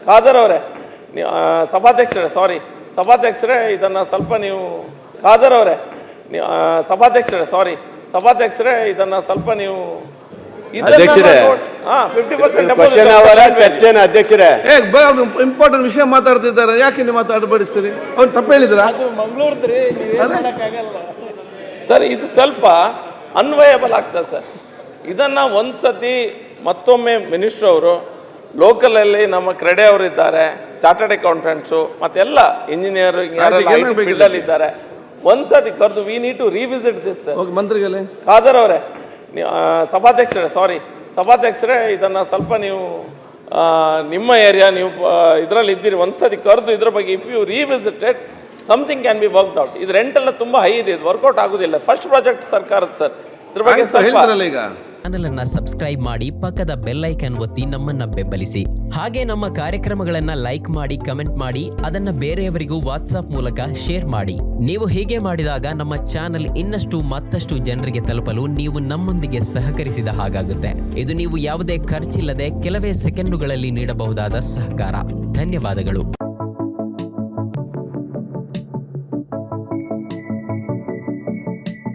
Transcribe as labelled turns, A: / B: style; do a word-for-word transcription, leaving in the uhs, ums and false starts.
A: ಖಾದರ್ ಅವರೇ, ಸಭಾಧ್ಯಕ್ಷರೇ ಸಾರಿ ಸಭಾಧ್ಯಕ್ಷರೇ ಇದನ್ನು ಸ್ವಲ್ಪ ನೀವು ಖಾದರ್ ಅವರೇ ಸಭಾಧ್ಯಕ್ಷರೇ ಸಾರಿ ಸಭಾಧ್ಯಕ್ಷರೇ ಇದನ್ನು ಸ್ವಲ್ಪ ನೀವು
B: ಅಧ್ಯಕ್ಷರೇ ಚರ್ಚೆನ ಅಧ್ಯಕ್ಷರೇ
C: ಇಂಪಾರ್ಟೆಂಟ್ ವಿಷಯ ಮಾತಾಡ್ತಿದ್ದಾರೆ, ಯಾಕೆ ನೀವು ಮಾತಾಡಬಡಿಸ್ತೀರಿ? ಅವ್ರು ತಪ್ಪು ಹೇಳಿದ್ರ
A: ಸರ್? ಇದು ಸ್ವಲ್ಪ ಅನ್ವಯಬಲ್ ಆಗ್ತದೆ ಸರ್. ಇದನ್ನ ಒಂದ್ಸತಿ ಮತ್ತೊಮ್ಮೆ ಮಿನಿಸ್ಟರ್ ಅವರು ಲೋಕಲಲ್ಲಿ ನಮ್ಮ ಕ್ರೆಡೆ ಅವರು ಇದ್ದಾರೆ, ಚಾರ್ಟರ್ಡ್ ಅಕೌಂಟೆಂಟ್ಸು ಮತ್ತೆಲ್ಲ ಇಂಜಿನಿಯರಿಂಗ್ ಫೀಲ್ಡ್ ಅಲ್ಲಿ ಇದ್ದಾರೆ. ಒಂದ್ಸತಿ ಕರೆದು we need to revisit this sir.
C: ಮಂತ್ರಿಗಳೇ
A: ಖಾದರ್ ಅವರೇ ಸಭಾಧ್ಯಕ್ಷರೇ ಸಾರಿ ಸಭಾಧ್ಯಕ್ಷರೇ ಇದನ್ನ ಸ್ವಲ್ಪ ನೀವು ನಿಮ್ಮ ಏರಿಯಾ ನೀವು ಇದರಲ್ಲಿ ಇದ್ದೀರಿ, ಒಂದ್ಸತಿ ಕರೆದು ಇದ್ರ ಬಗ್ಗೆ if you revisited something can be worked out. ಇದು ರೆಂಟ್ ಎಲ್ಲ ತುಂಬಾ ಹೈ ಇದೆ, ಇದು ವರ್ಕೌಟ್ ಆಗುದಿಲ್ಲ. ಫಸ್ಟ್ ಪ್ರಾಜೆಕ್ಟ್ ಸರ್ಕಾರದ ಸರ್, ಇದ್ರ ಬಗ್ಗೆ
C: ಈಗ
D: ಚಾನೆಲ್ ಅನ್ನ ಸಬ್ಸ್ಕ್ರೈಬ್ ಮಾಡಿ ಪಕ್ಕದ ಬೆಲ್ ಐಕಾನ್ ಒತ್ತಿ ನಮ್ಮನ್ನ ಬೆಂಬಲಿಸಿ. ಹಾಗೆ ನಮ್ಮ ಕಾರ್ಯಕ್ರಮಗಳನ್ನ ಲೈಕ್ ಮಾಡಿ, ಕಮೆಂಟ್ ಮಾಡಿ, ಅದನ್ನ ಬೇರೆಯವರಿಗೂ ವಾಟ್ಸ್ಆಪ್ ಮೂಲಕ ಶೇರ್ ಮಾಡಿ. ನೀವು ಹೀಗೆ ಮಾಡಿದಾಗ ನಮ್ಮ ಚಾನೆಲ್ ಇನ್ನಷ್ಟು ಮತ್ತಷ್ಟು ಜನರಿಗೆ ತಲುಪಲು ನೀವು ನಮ್ಮೊಂದಿಗೆ ಸಹಕರಿಸಿದ ಹಾಗಾಗುತ್ತೆ. ಇದು ನೀವು ಯಾವುದೇ ಖರ್ಚಿಲ್ಲದೆ ಕೆಲವೇ ಸೆಕೆಂಡುಗಳಲ್ಲಿ ನೀಡಬಹುದಾದ ಸಹಕಾರ. ಧನ್ಯವಾದಗಳು.